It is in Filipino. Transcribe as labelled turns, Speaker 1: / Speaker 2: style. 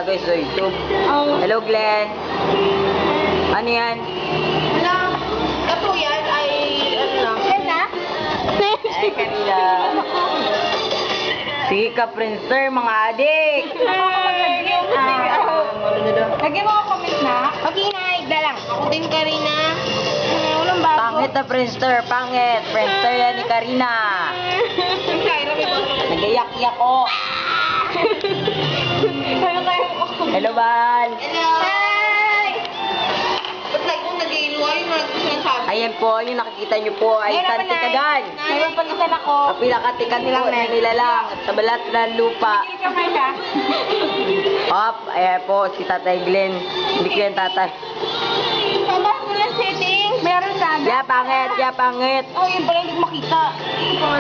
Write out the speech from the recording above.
Speaker 1: guys sa YouTube.
Speaker 2: Oh.
Speaker 1: Hello, Glenn. Ano yan?
Speaker 2: Wala. Ito yan ay, ano lang. Yan na?
Speaker 1: Ay, kanila. Sige ka, Princer, mga adik.
Speaker 2: Lagyan mo ako comment na. Okay na, igda lang. Ako din, Karina. Walang bago.
Speaker 1: Pangit na Princer, pangit. Princer yan ni Karina. Nagayak-yak ko. Hello, Bal.
Speaker 2: Hello! Hi! Ba't like kung nag-iiluwa yung sinasabi?
Speaker 1: Ayan po, yung nakikita nyo po ay Tantikagan.
Speaker 2: May papalitan ako.
Speaker 1: Ang pinakatikan po ay nilalang sa balat ng lupa. Hop, ayan po si Tatay Glenn. Hindi ko yan tatay.
Speaker 2: Pabas mo ng settings. Meron sana.
Speaker 1: Ya, pangit, ya, pangit.
Speaker 2: Oh, yun pala hindi ko makita.